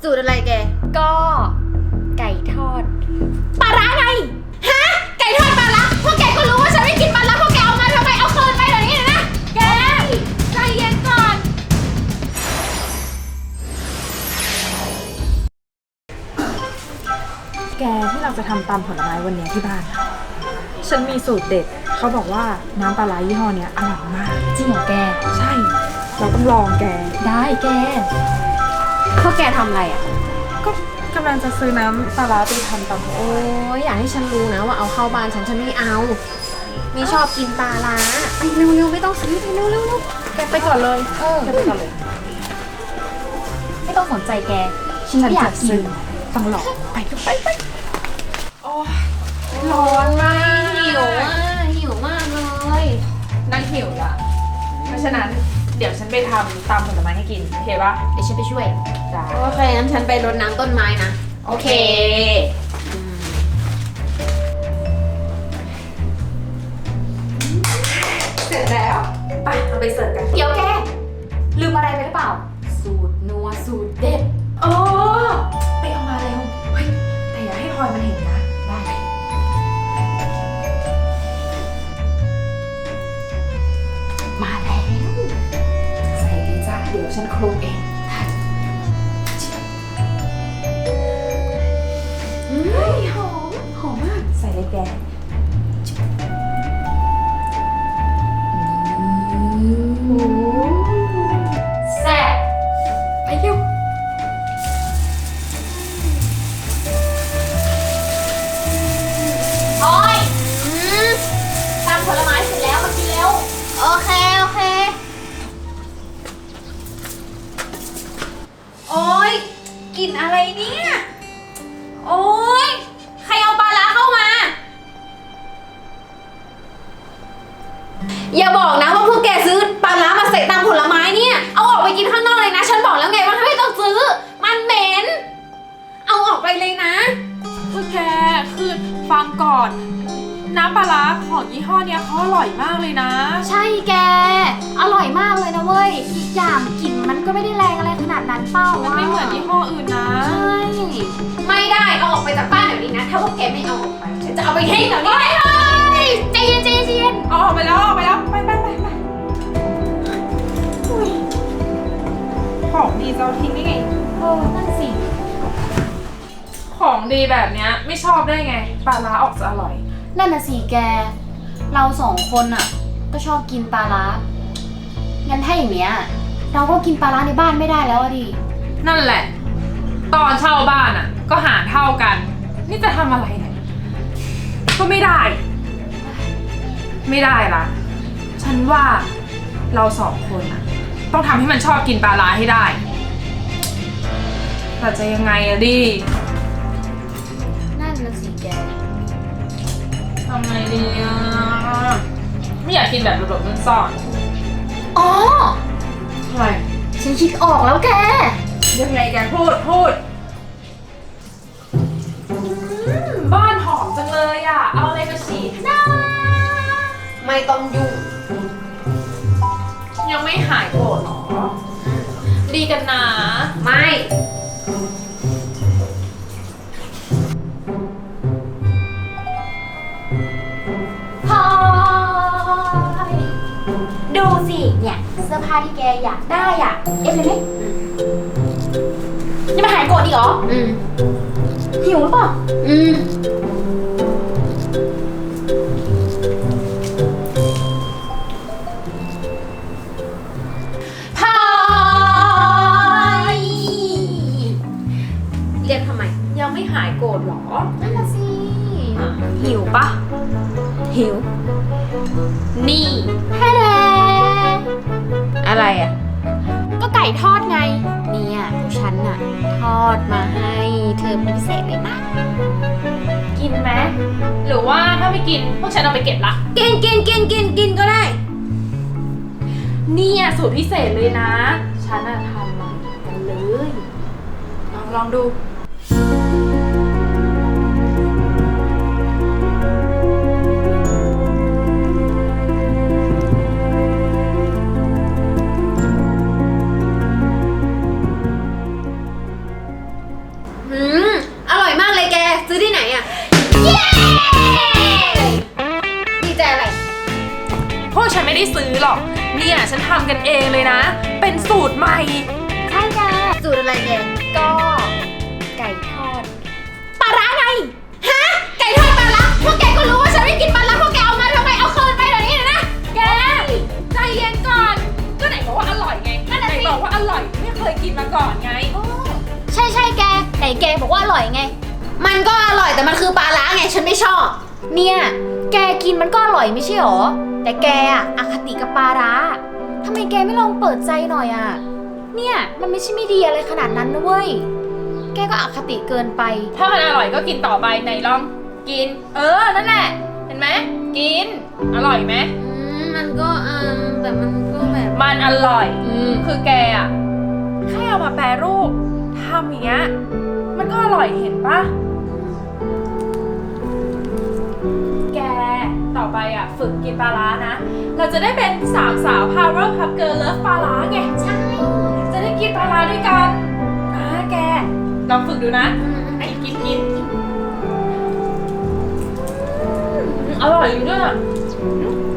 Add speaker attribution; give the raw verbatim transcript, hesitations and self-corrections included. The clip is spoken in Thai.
Speaker 1: สูตรอะไรแก
Speaker 2: ก็ไก่ทอด
Speaker 1: ปลาร้าไงฮะไก่ทอดปลาร้าพวกแกก็รู้ว่าฉันไม่กินปลาร้าพวกแกเอามาทำไมเอาคืนไปเดี๋ยวนี้นะแกใจเย็นก่อน
Speaker 3: แกที่เราจะทำตำผลไม้วันนี้ที่บ้านฉันมีสูตรเด็ดเขาบอกว่าน้ำปลาร้ายี่ห้อเนี้ยอร่อยมาก
Speaker 2: จริงเหรอแก
Speaker 3: ใช่เราต้องลองแก
Speaker 2: ได้แกพวกแกทำอะไรอ่ะ
Speaker 3: ก็กำลังจะซื้อน้ำปลาร้าไปทำตำ
Speaker 1: โอ้ยอยากให้ฉันรู้นะว่าเอาเข้าบ้านฉันฉันไม่เอาไม่ชอบกินปลาร้าไปเร็วๆไม่ต้องซื้อไปเร็วๆ
Speaker 3: แกไปก่อนเลย
Speaker 1: เออ
Speaker 3: แกไปก่อนเลย
Speaker 2: ไม่ต้องสนใจแกฉันไม่อยากกิน
Speaker 3: ต้องลองไปไปไปโอ้
Speaker 1: ร้อนมากหิวอ่ะหิวมากเลย
Speaker 3: นั่งหิวละเพราะฉะนั้นเดี๋ยวฉันไปทำตำผลไม้ให้กินโอเคปะ
Speaker 1: เดี๋ยวฉันไปช่วย
Speaker 3: ได้
Speaker 1: โอเคงั้นฉันไปรดน้ำต้นไม้นะ
Speaker 3: โอเคเสร็จแล้วไปเอาไปเสิร์ฟกัน
Speaker 2: เดี๋ยวแกลืมอะไรไปหรือเปล่าสูตรนัวสูตรเด็ด
Speaker 3: โอ้ไปเอามาเร็วเฮ้ยแต่อย่าให้พลอยมันเห็นนะได้
Speaker 2: มาแล้ว
Speaker 3: ใส่เลยจ้าเดี๋ยวฉันคลุกเองเฮ้ยหอมหอมมากใส่เลยแก
Speaker 2: แซ่บ
Speaker 3: ไปเร็ว
Speaker 2: โอ้ยตำผลไม้เสร็จแล้วมากินเร็ว
Speaker 1: โอเคโอเคโอ๊ยกินอะไรเนี่ยโอ๊ยใครเอาปลาร้าเข้ามาอย่าบอกนะว่าพวกแกซื้อปลาร้ามาใส่ตามผลไม้เนี่ยเอาออกไปกินข้างนอกเลยนะฉันบอกแล้วไงว่าไม่ต้องซื้อมันเหม็นเอาออกไปเลยนะ
Speaker 3: พวกแกคือฟังก่อนน้ำปลาร้าของยี่ห้อเนี้ยเขาอร่อยมากเลยนะ
Speaker 2: ใช่แกอร่อยมากเลยนะเว้ยอีกอย่างกลิ่นมันก็ไม่ได้แรงอะไรขนาดนั้นเป้า
Speaker 3: มันไม่เหมือนยี่ห้ออื่นนะ
Speaker 2: ใช่
Speaker 1: ไม่ได้เอาออกไปจากบ้านเดี๋ยวนี้นะถ้าพวกแกไม่เอาออกไปฉันจะเอาไปทิ้งเดี๋ยวนี้
Speaker 2: เลยใจเย็นใจเย็น
Speaker 3: เอาออกไปแล้วออกไปแล้วไปไปไปไปของดีจะเอาทิ้งได้ไง
Speaker 2: เออนั่นสิ
Speaker 3: ของดีแบบเนี้ยไม่ชอบได้ไงปลาร้าออกจะอร่อย
Speaker 2: นั่นน่ะสิแกเราสองคนอ่ะก็ชอบกินปลาร้างั้นถ้าอย่างเนี้ยเราก็กินปลาร้าในบ้านไม่ได้แล้วดิ
Speaker 3: นั่นแหละตอนเช่าบ้านอ่ะก็หารเท่ากันนี่จะทำอะไรเนี่ยก็ไม่ได้ไม่ได้ละฉันว่าเราสองคนอ่ะต้องทำให้มันชอบกินปลาร้าให้ได้แต่จะยังไงอะดิ
Speaker 2: นั่นน่ะสิแก
Speaker 3: ทำไงดีอ่ะไม่อยากกินแบบหลบๆซ่อน
Speaker 2: ๆอ๋อ
Speaker 3: อะไร
Speaker 2: ฉันคิดออกแล้วแก
Speaker 3: ยังไงแกพูดพูดบ้านหอมจังเลยอ่ะเอาอะไรมาฉีด
Speaker 2: นะ
Speaker 1: ไม่ต้องยุ่ง
Speaker 3: ยังไม่หายโกรธหรอดีกันนะ
Speaker 1: ไม่
Speaker 2: ดูสิเนี่ยเสื้อผ้าที่แกอยากได้อ่ะเอฟเลยไหมยังไม่หายโกรธอีกเหรอ
Speaker 1: อืม
Speaker 2: หิวหรือเปล่า
Speaker 1: อืมพายเรียกทำไม
Speaker 3: ยังไม่หายโกรธหรอ
Speaker 2: นั่นน่ะสิ
Speaker 3: หิวปะ
Speaker 1: หิวนี่
Speaker 2: แฮ่แร
Speaker 1: อะไรอ่ะ
Speaker 2: ก็ไก่ทอดไงเนี่ยฉันน่ะทอดมาให้เธอเป็นพิเศษเลยนะ
Speaker 3: กินไหมหรือว่าถ้าไม่กินพวกฉันเอาไปเก็บละ
Speaker 1: กินกินกินกินกินก็ได้
Speaker 3: เนี่ยสูตรพิเศษเลยนะฉันน่ะทำมากันเลยลองลองดู
Speaker 1: อืมอร่อยมากเลยแก ซื้อที่ไหนอ่ะ
Speaker 2: เย้
Speaker 1: ดีใจอะไร
Speaker 3: พวกฉันไม่ได้ซื้อหรอก เนี่ยฉันทำกันเองเลยนะ เป็นสูตรใหม่
Speaker 2: ใช่จ้ะ
Speaker 1: สูตรอะไรแก
Speaker 2: ก็ไก่ทอด
Speaker 1: ปลาร้าไง ฮะ ไก่ทอดปลาร้าพวกแกก็รู้ว่าฉันไม่กินปลาร้าพวกแกเอามาทำไม เอาคืนไปเดี๋ยวนี้เลยนะ
Speaker 3: แก ใจเย็นก่อน ก็ไหนบอกว่าอร่อยไง
Speaker 1: นั่นน่ะ
Speaker 3: ไหน
Speaker 1: สิ
Speaker 3: บอกว่าอร่อย ไม่เคยกินมาก่อนไง
Speaker 2: ใช่ใช่แกไหนแกบอกว่าอร่อยไง
Speaker 1: มันก็อร่อยแต่มันคือปลาร้าไง ฉันไม่ชอบ
Speaker 2: เนี่ย แกกินมันก็อร่อยไม่ใช่หรอ แต่แกอะอคติกับปลาร้าทำไมแกไม่ลองเปิดใจหน่อยอะเนี่ยมันไม่ใช่ไม่ดีอะไรขนาดนั้นนะเว้ย แกก็อคติเกินไป
Speaker 3: ถ้ามันอร่อยก็กินต่อไปไหนลอง กิน เออ นั่นแหละ เห็นไหม กิน อร่อยไหม
Speaker 1: อืม มันก็อืมแต่มันก็แบบ
Speaker 3: มันอร่อย
Speaker 1: อืม
Speaker 3: คือแกอะแค่เอามาแปรรูปทำอย่างเงี้ย มันก็อร่อยเห็นปะแก ต่อไปอ่ะ ฝึกกินปลาร้านะ เราจะได้เป็นสามสาว Power Cup Girl Love ปลาร้าไง ใช่ จะได้กินปลาร้าด้วยกันนะแก ลองฝึกดูนะ
Speaker 1: อืม
Speaker 3: ไอ้กินกินอืมอร่อยอยู่ด้วยอะ